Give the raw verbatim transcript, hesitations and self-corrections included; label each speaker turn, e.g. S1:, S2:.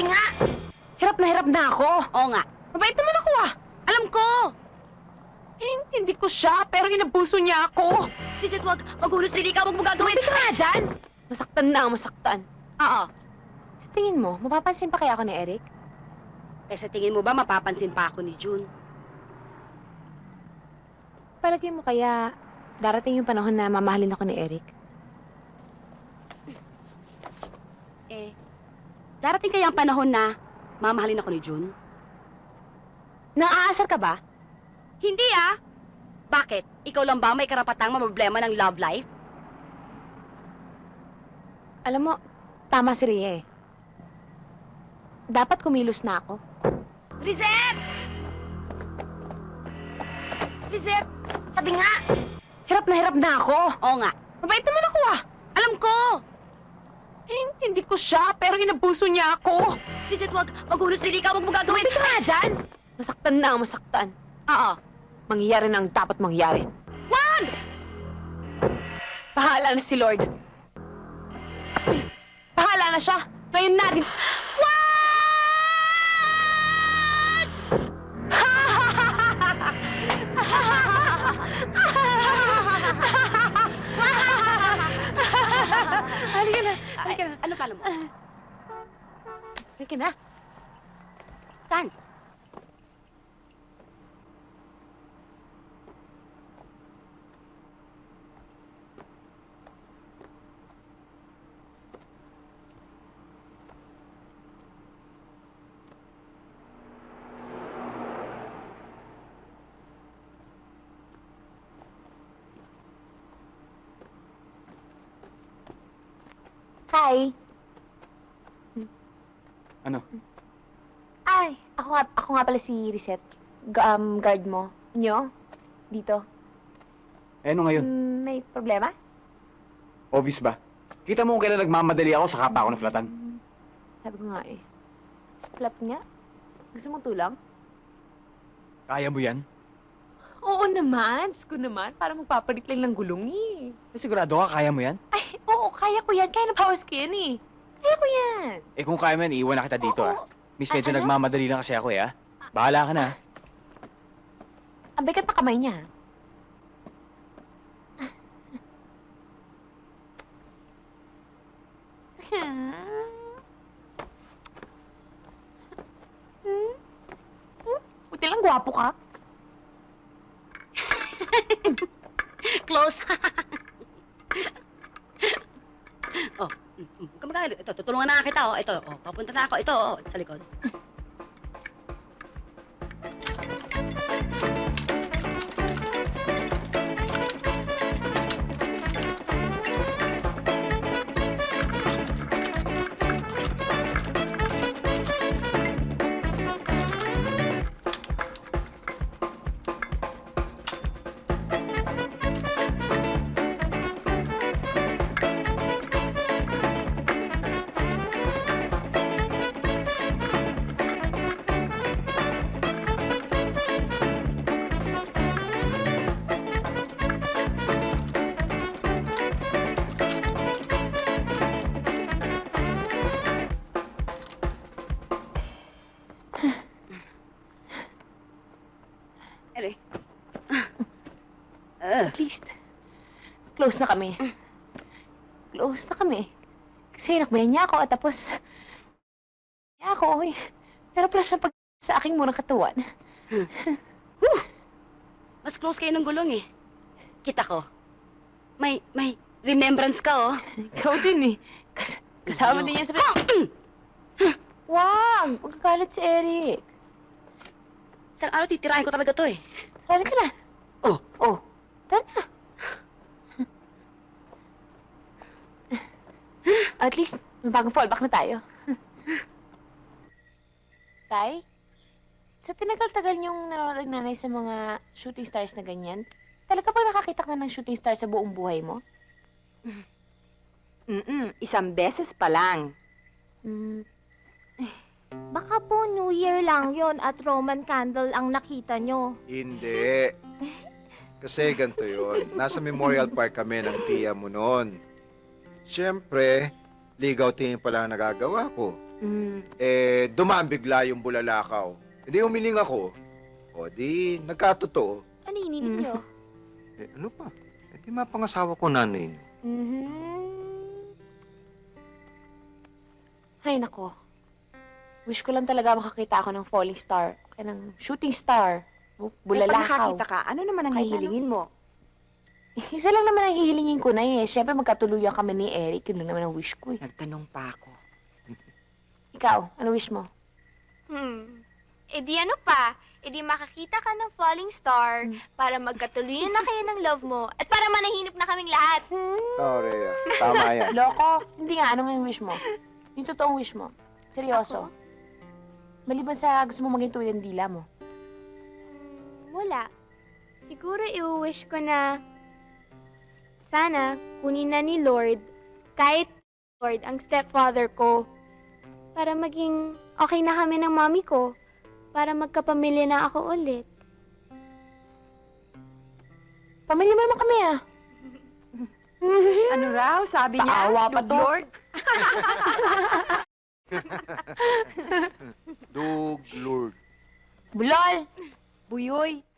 S1: nga! Hirap na hirap na ako.
S2: Oo nga.
S1: Mabait naman ako ah.
S2: Alam ko!
S1: Eh, hindi ko siya, pero inabuso niya ako.
S2: Lizette, wag. Maghulos dili ka. Huwag mo gagawin.
S1: Tumapit ka nga dyan. Masaktan na, masaktan.
S2: Oo.
S1: Sa tingin mo, mapapansin pa kaya ako ni Eric?
S2: Eh, sa tingin mo ba mapapansin pa ako ni June?
S1: Palagay mo kaya darating yung panahon na mamahalin ako ni Eric?
S2: Eh, darating kaya ang panahon na mamahalin ako ni June?
S1: Nang-aasar ka ba?
S2: Hindi ah! Bakit? Ikaw lang ba may karapatang problema ng love life?
S1: Alam mo, tama si Rhea eh. Dapat kumilos na ako.
S2: Lizette! Lizette! Sabi nga!
S1: Hirap na hirap na ako.
S2: Oo nga.
S1: Mabait naman ako ah.
S2: Alam ko!
S1: Eh, hindi ko siya, pero inabuso niya ako.
S2: Lizette, wag. Maghulos dili ka. Huwag mo gagawin.
S1: Tumapit ka nga dyan. Masaktan na, masaktan.
S2: Oo.
S1: Mangyayari na ang dapat mangyari.
S2: Wag!
S1: Bahala na si Lord. Bahala na siya. Ngayon natin. Halika na. Halika na.
S2: Ano kala mo?
S1: Halika na.
S2: Saan?
S1: Hi.
S3: Ano?
S1: Ay, ako nga, ako nga pala si Reset. Gu- um, guard mo. Nyo? Dito.
S3: Eh, ano ngayon?
S1: Mm, may problema?
S3: Obvious ba? Kita mo kung kailan nagmamadali ako, saka pa ako naflatan.
S1: Mm, sabi ko nga eh. Flap nga? Gusto mong tulang?
S3: Kaya mo yan?
S1: Oo naman. Sko naman. Para magpapalit lang ng gulong eh.
S3: Eh, sigurado ka, kaya mo yan?
S1: Ay, oo. Kaya ko yan. Kaya na powers ko yan eh. Kaya ko yan.
S3: Eh, kung kaya mo yan, iiwan na kita dito,
S1: Oo.
S3: ah. Miss, medyo
S1: Ah, ano?
S3: nagmamadali lang kasi ako, eh, ah. Bahala ka na, ah.
S1: Ang bigat pa kamay niya. Hmm? Hmm? Buti lang gwapo ka.
S2: Close. oh, mm, mm. Kamagano. Ito, tutulungan na kita, oh. Ito, oh. Papunta na ako. Ito, oh. Sa likod. Ere. Uh,
S1: At least, close na kami. Close na kami. Kasi nakbayan niya ako at tapos, niya ako eh. Pero pala siya pag sa aking murang katawan.
S2: mas close kayo ng gulong, eh. Kita ko. May, may remembrance ka, oh.
S1: Ikaw din eh. Kas kasama din niya sa... Wag! Huwag kagalit si Eric.
S2: Isang araw titirahin ko talaga to, eh.
S1: Sali ka na.
S2: Oh.
S1: Oh. Tara na. At least, may bagong fallback na tayo. Tay, sa tinagal-tagal niyong nanonood ng nanay sa mga shooting stars na ganyan, talaga ba nakakita ka ng shooting star sa buong buhay mo?
S4: Mm-mm, isang beses pa lang.
S1: Hmm.
S5: Baka po New Year lang yon at Roman candle ang nakita nyo.
S6: Hindi. Kasi ganito yun. Nasa Memorial Park kami ng tiya mo noon. Siyempre, ligaw tingin pala ang nagagawa ko.
S4: Mm.
S6: Eh, dumaan bigla yung bulalakaw. Hindi umiling ako. O di, nagkatotoo.
S5: Ano hiniling
S4: Mm.
S5: niyo?
S6: Eh, ano pa? Eh, di mapangasawa ko nanay niyo.
S1: Mhm. Ay, nako. Wish ko lang talaga makakita ako ng falling star. Kaya ng shooting star. Bu-
S4: Eh, pag
S1: Bulalakaw.
S4: nakakita ka, ano naman ang
S1: Kahit
S4: hihilingin mo?
S1: Isa lang naman ang hihilingin ko na yun eh. Siyempre magkatuluyan kami ni Eric. Yun lang naman ang wish ko eh.
S4: Nagtanong pa ako.
S1: Ikaw, ano wish mo?
S5: Hmm. E di ano pa? E di makakita ka ng falling star para magkatuluyan na kayo ng love mo at para manahinip na kaming lahat.
S3: Oh, Rhea. Tama yan.
S1: Loko. Hindi nga, ano nga yung wish mo? Yung totoong wish mo. Seryoso. Maliban sa gusto mo maging tulad ng dila mo.
S5: Hmm, wala. Siguro i-wish ko na sana kunin na ni Lord kahit Lord ang stepfather ko para maging okay na kami ng mami ko para magkapamilya na ako ulit.
S1: Pamilya mo naman kami ah.
S4: Ano raw? Sabi niya?
S1: Paawa pa
S4: Lord,
S1: to.
S4: Lord?
S6: Dug, Lord.
S1: Bulol!
S4: Buyoy.